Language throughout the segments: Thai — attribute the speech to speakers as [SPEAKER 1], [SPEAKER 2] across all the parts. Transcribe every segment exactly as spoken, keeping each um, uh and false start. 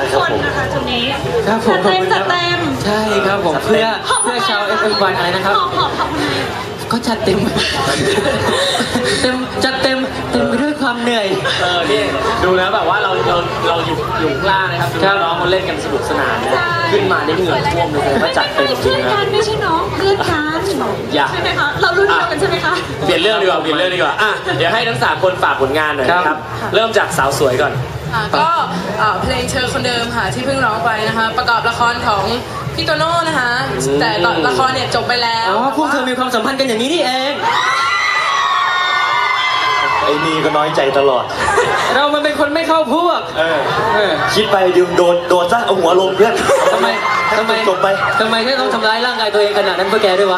[SPEAKER 1] ทุกคนนะคะจุดนี้
[SPEAKER 2] ครับผม
[SPEAKER 1] จัดเต็มจัดเต็ม
[SPEAKER 2] ใช่ครับผมเพื่อเพื่อชาวเอฟเอ็มวันอะไรนะครับ
[SPEAKER 1] หอบหอบ
[SPEAKER 2] ก็จัดเต็มเต็มจัดเต็มเต็มไปด้วยความเหนื่อย
[SPEAKER 3] เออนี่ดูนะแบบว่าเราเราเราอยู่อยู่ข้างล่างนะครับดูน้องเขาเล่นกันสนุกสนานนะขึ้นมาได้เหงื่อท่วมเลยว่าจัดเต็มจริงนะ
[SPEAKER 1] เพื่อนกันไม่ใช่น้องเพื่อนกันใช่ไหมคะเรารุ่นเดียวกันใช่ไหมคะ
[SPEAKER 3] เปลี่ยนเรื่องดีกว่าเปลี่ยนเรื่องดีกว่าอ่ะเดี๋ยวให้ทั้งสามคนฝากผลงานหน่อยนะครับเริ่มจากสาวสวยก่อน
[SPEAKER 4] ก็เพลงเธอคนเดิมค่ะที่เพิ่งร้องไปนะคะประกอบละครของพี่โตโน่นะคะแต่ตอนละครเนี่ยจบไปแล้ว
[SPEAKER 2] อ๋อพวกเธอมีความสัมพันธ์กันอย่างนี้นี่เอง
[SPEAKER 5] ไอ้นี่ก็น้อยใจตลอด
[SPEAKER 2] เรามันเป็นคนไม่เข้าพวก
[SPEAKER 5] เออคิดไปดึงโดนโดนซะเอาหัวลงเพื่อน
[SPEAKER 2] ทำไมทำไม
[SPEAKER 5] จบไป
[SPEAKER 2] ทำไมแค่ต้องทำร้ายร่างกายตัวเองขนาดนั้นเพื่อแกด้วยวะ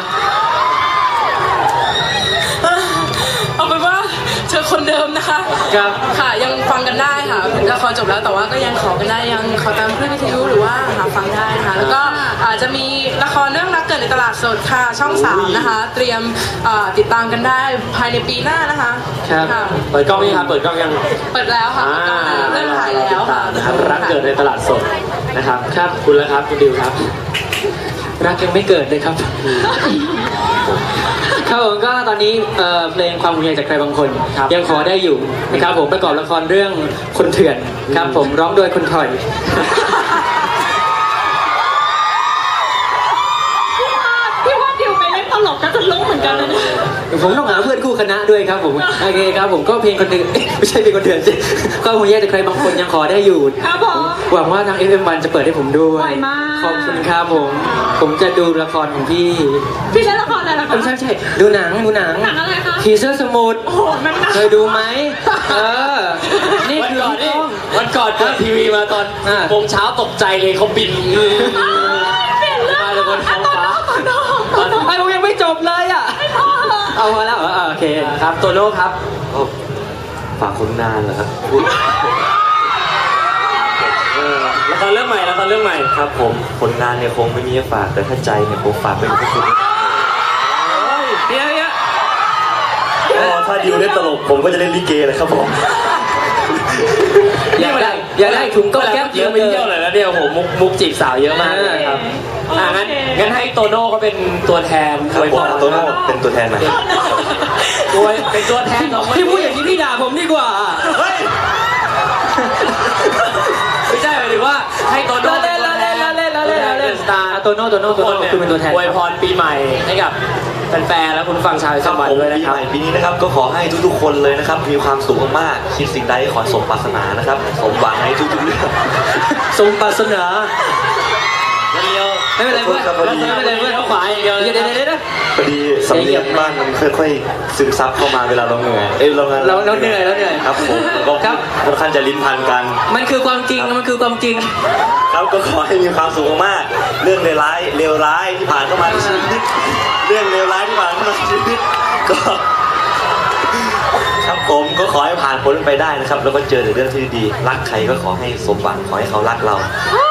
[SPEAKER 4] เอาเป็นว่าเธอคนเดิมนะคะ
[SPEAKER 2] ครับ
[SPEAKER 4] ค่ะยังฟังกันได้ค่ะละครจบแล้วแต่ว่าก็ยังขอกันได้ยังขอตามเพื่อนวิทยุหรือว่าหาฟังได้ค่ะแล้วก็อาจจะมีละครเรื่องรักเกิดในตลาดสดค่ะช่องสามนะคะเตรียมติดตามกันได้ภายในปีหน้านะคะ
[SPEAKER 3] ครับเปิดกล้องยังครับเปิดกล้องยัง
[SPEAKER 4] เปิดแล้วค่ะเริ่มถ่ายแล้วค่ะ
[SPEAKER 3] รักเกิดในตลาดสดนะครับครับคุณแล้วครับคุณดิวครับ
[SPEAKER 2] รักยังไม่เกิดเลยครับครับผมก็ตอนนี้เพลงความห่วงใยจากใครบางคนยังขอได้อยู่นะครับผมประกอบละครเรื่องคนเถื่อนครับผมร้องโดยคนถอย
[SPEAKER 1] พี่ว่าดิวไปเล่นตลกก็จะลุ้งเหมือนกันนะ
[SPEAKER 2] ผมต้องหาเพื่อนคู่คณะด้วยครับผมโอเคครับผมก็เพลงคนเถื่อนไม่ใช่เพลงคนเถื่อนสิก็ห่วงใยจากใครบางคนยังขอได้อยู่
[SPEAKER 1] ครับผม
[SPEAKER 2] หวังว่าทาง เอฟ เอ็ม วันจะเปิดให้ผมด้วยขอบคุณครับผมผมจะดูละครของพี่
[SPEAKER 1] พี่เล่นละครอะไรล่ะคะ
[SPEAKER 2] ใช่ใช่ดูหนังดูหนัง
[SPEAKER 1] หนังอะไรคะ
[SPEAKER 2] ทีเซอร์สมุด
[SPEAKER 1] โอ้โหมัน
[SPEAKER 2] เคยดูไหมเออนี่
[SPEAKER 3] คือวันก่อนนี่วันก่อนเปิดทีวีมาตอนโมงเช้าตกใจเลยเขาบิน
[SPEAKER 1] เปลี่ยนเรื่องมาเลยบนท้องฟ้า
[SPEAKER 2] ไอ้ผมยังไม่จบเลยอ่ะเอาพอแล้วโอเคครับโตโน่ครับ
[SPEAKER 5] ฝากคนงานเหรอครับ
[SPEAKER 3] ละครเรื่องใหม่ละครเรื่องใหม่
[SPEAKER 5] ครับผมผลงานเนี่ยคงไม่มีฝากแต่ถ้าใจเนี่ยผมฝากไปกับทุกคน
[SPEAKER 2] เดี๋ยวเดี๋ยว
[SPEAKER 5] ถ้าดิวเล่นตลกผมก็จะเล่นลิเกเลยครับผม
[SPEAKER 2] อยากได้อยากได้ถุงก็แก๊ป
[SPEAKER 3] เยอะไปเที่ยวเลยแล้วเดียวผมมุกจีบสาวเยอะมากเลยครับอ่างั้นงั้นให้โตโน่เขาเป็นตัวแทน
[SPEAKER 5] โตโน่เป็นตัวแทนไหม
[SPEAKER 3] ตัวเป็นตัวแทนของ
[SPEAKER 2] พี่พูดอย่างนี้พี่ด่าผมดีกว่า
[SPEAKER 3] เฮ้ยไม่ใช่หมายถึงว่าให้โตโน่
[SPEAKER 2] เล่นเล่นเล่นเล่นเล่นเล่นสตาร์โตโน่โตโน่โตโน่คือเป็นตัวแทน
[SPEAKER 3] อวยพรปีใหม่ให้กับแฟนๆและคุณฟังชาวสมัยด้วยนะครับ
[SPEAKER 5] ปีใหม่ปีนี้นะครับก็ขอให้ทุกๆคนเลยนะครับมีความสุขมากคิดสิ่งใดขอสมปรารถนานะครับสมหวังให้ทุกๆเรื่อง
[SPEAKER 2] สมปรารถนา
[SPEAKER 3] เดียว
[SPEAKER 2] ไม่เป็นไรเพื่อนไม่เป็นไรเพื่อน
[SPEAKER 3] เขาขวาอย่างเดียว
[SPEAKER 2] เดี๋ยวเดี๋ยวเดี๋ยว
[SPEAKER 5] พอดีสำเนียงบ้านมันค่อยๆซึมซับเข้ามาเวลาเราเหนื่อยเอ้ยเรา
[SPEAKER 2] เราเราเหนื่อยเราเหนื่อย
[SPEAKER 5] ครับผมก็ค่อนข้างจะลิ้นพันกัน
[SPEAKER 2] มันคือความจริงมันคือความจริง
[SPEAKER 5] ครับก็ขอให้มีความสุขมากเรื่องเลวร้ายเลวร้ายที่ผ่านเข้ามาในชีวิตเรื่องเลวร้ายที่ผ่านเข้ามาในชีวิตก็ครับผมก็ขอให้ผ่านพ้นไปได้นะครับแล้วก็เจอแต่เรื่องที่ดีรักใครก็ขอให้สมหวังขอให้เขารักเรา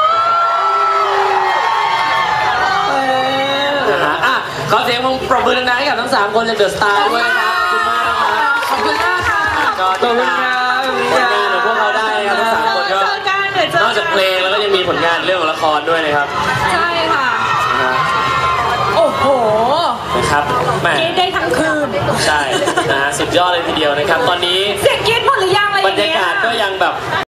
[SPEAKER 3] ขอเสียงปรบมือดังๆให้กับทั้งสามคนจากเดอะสตาร์ด้วยนะครับขอบคุณมากครับขอบคุณมากค่ะก็ผลงานของพวกเขาได้ครับทั้งสามคนก็นอกจากเพลงแล้วก็ยังมีผลงานเรื่องของละครด้วยนะครับ
[SPEAKER 1] ใช่ค่ะโอ้โห
[SPEAKER 3] นะครับ
[SPEAKER 1] แม่ได้ทั้งคืน
[SPEAKER 3] ใช่นะสุดยอดเลยทีเดียวนะครับตอนนี้
[SPEAKER 1] เสียงกรี๊ดหมดหรือยังอะไรอย่างเงี้ย
[SPEAKER 3] บรรยากาศก็ยังแบบ